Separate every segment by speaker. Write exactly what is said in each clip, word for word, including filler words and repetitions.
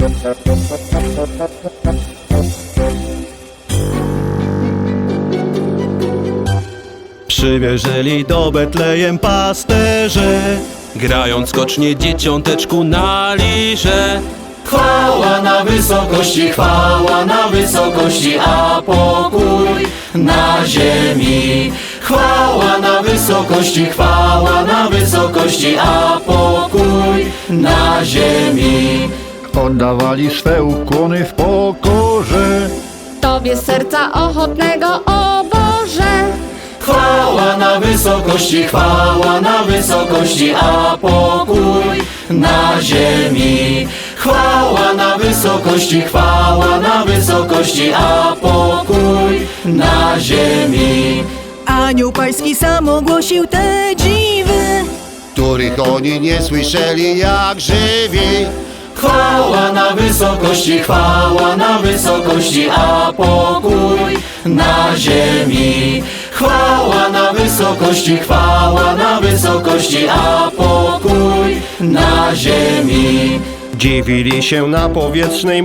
Speaker 1: Przywieżeli do Betlejem pasterze, grając skocznie dzieciąteczku na lirze.
Speaker 2: Chwała na wysokości, chwała na wysokości, a pokój na ziemi. Chwała na wysokości, chwała na wysokości, a pokój na ziemi.
Speaker 3: Oddawali swe ukłony w pokorze
Speaker 4: Tobie z serca ochotnego, o Boże.
Speaker 2: Chwała na wysokości, chwała na wysokości, a pokój na ziemi. Chwała na wysokości, chwała na wysokości, a pokój na ziemi.
Speaker 5: Anioł Pański sam ogłosił te dziwy,
Speaker 6: których oni nie słyszeli jak żywi.
Speaker 2: Chwała na wysokości, chwała na wysokości, a pokój na ziemi. Chwała na wysokości, chwała na wysokości, a pokój na ziemi.
Speaker 1: Dziwili się na powietrznej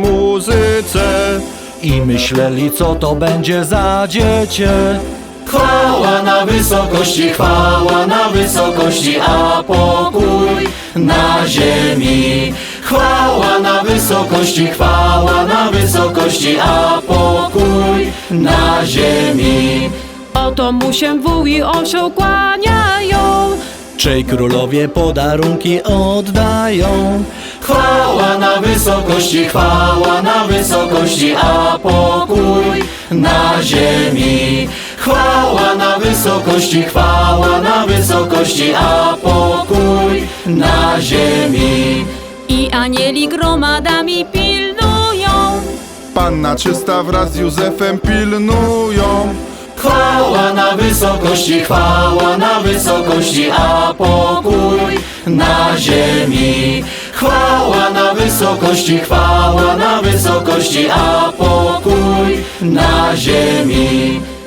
Speaker 1: muzyce i myśleli, co to będzie za dziecię.
Speaker 2: Chwała na wysokości, chwała na wysokości, a pokój na ziemi. Chwała na wysokości, chwała na wysokości, a pokój na ziemi.
Speaker 4: Oto mu się wół i osioł kłaniają,
Speaker 1: Czej królowie podarunki oddają.
Speaker 2: Chwała na wysokości, chwała na wysokości, a pokój na ziemi. Chwała na wysokości, chwała na wysokości, a pokój na ziemi.
Speaker 4: i anieli gromadami pilnują.
Speaker 7: Panna czysta wraz z Józefem pilnują.
Speaker 2: Chwała na wysokości, chwała na wysokości, a pokój na ziemi. Chwała na wysokości, chwała na wysokości, a pokój na ziemi.